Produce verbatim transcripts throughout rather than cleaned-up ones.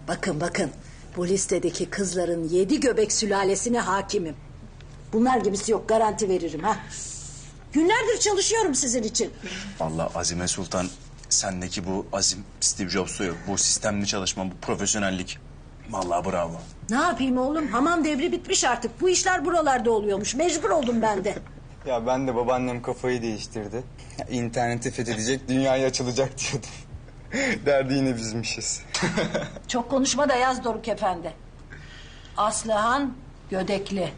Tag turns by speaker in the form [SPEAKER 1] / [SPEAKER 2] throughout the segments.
[SPEAKER 1] Bakın bakın, bu listedeki kızların yedi göbek sülalesine hakimim. Bunlar gibisi yok, garanti veririm ha. Günlerdir çalışıyorum sizin için.
[SPEAKER 2] Vallahi Azime Sultan, sendeki bu azim Steve Jobs'ta yok. Bu sistemli çalışma, bu profesyonellik. Vallahi bravo.
[SPEAKER 1] Ne yapayım oğlum, hamam devri bitmiş artık. Bu işler buralarda oluyormuş, mecbur oldum ben de.
[SPEAKER 3] Ya ben de babaannem kafayı değiştirdi. Ya, İnterneti fethedecek, dünyaya açılacak diyordum. Derdi yine bizmişiz.
[SPEAKER 1] Çok konuşma da yaz Doruk Efendi. Aslıhan Gödekli.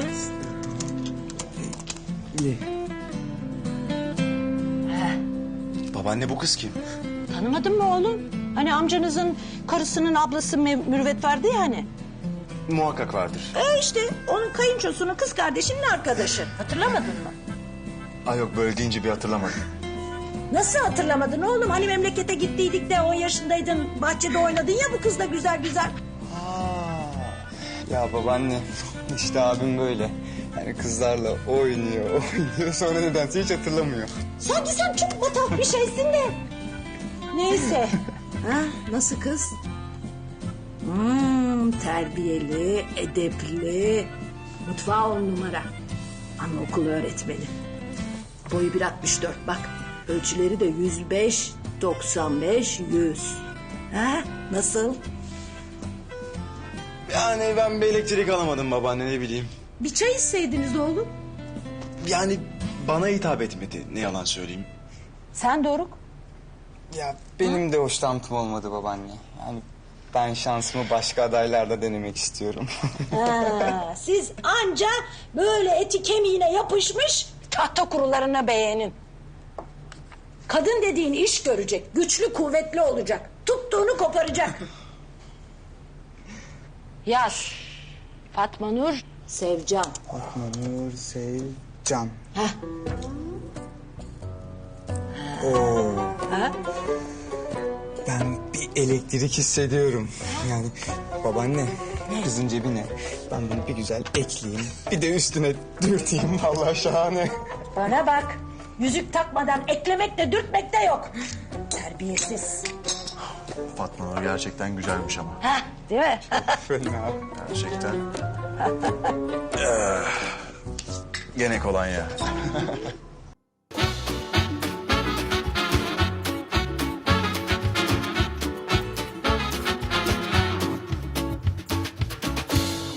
[SPEAKER 2] Babaanne, bu kız kim?
[SPEAKER 1] Tanımadın mı oğlum? Hani amcanızın karısının ablası Mev- Mürüvvet vardı ya hani.
[SPEAKER 2] Muhakkak vardır.
[SPEAKER 1] E işte onun kayınçosunun kız kardeşinin arkadaşı. Hatırlamadın mı?
[SPEAKER 2] Ay yok, böyle deyince bir hatırlamadım.
[SPEAKER 1] Nasıl hatırlamadın oğlum? Hani memlekete gittiydik de on yaşındaydın. Bahçede oynadın ya bu kızla güzel güzel.
[SPEAKER 3] Ya babaanne, işte abim böyle. Yani kızlarla oynuyor, oynuyor. Sonra nedense hiç hatırlamıyor.
[SPEAKER 1] Sanki sen çok matah bir şeysin de. Neyse. Ha, nasıl kız? Hmm, terbiyeli, edepli. Mutfağı on numara. Anaokulu öğretmeni. Boyu bir altmış dört bak. Ölçüleri de yüz beş, doksan beş, yüz. Ha, nasıl?
[SPEAKER 2] Yani ben bir elektrik alamadım babaanne, ne bileyim.
[SPEAKER 1] Bir çay içseydiniz oğlum.
[SPEAKER 2] Yani bana hitap etmedi, ne yalan söyleyeyim.
[SPEAKER 1] Sen Doruk.
[SPEAKER 3] Ya benim de hoşlantım olmadı babaanne. Yani ben şansımı başka adaylarda denemek istiyorum.
[SPEAKER 1] Ha, siz anca böyle eti kemiğine yapışmış tahta kurularına beğenin. Kadın dediğin iş görecek, güçlü kuvvetli olacak, tuttuğunu koparacak. Yaz. Fatma Nur Sevcan.
[SPEAKER 3] Fatma Nur Sevcan.
[SPEAKER 1] Heh.
[SPEAKER 3] Oo.
[SPEAKER 1] Ha?
[SPEAKER 3] Ben bir elektrik hissediyorum. Yani babaanne, kızın cebine ben bunu bir güzel ekleyeyim. Bir de üstüne dürteyim, vallahi şahane.
[SPEAKER 1] Bana bak. Yüzük takmadan eklemek de dürtmek de yok. Terbiyesiz.
[SPEAKER 2] Fatma Nur gerçekten güzelmiş ama.
[SPEAKER 1] Ha, değil mi?
[SPEAKER 3] Fena.
[SPEAKER 2] Gerçekten. Eh, gene kolonya.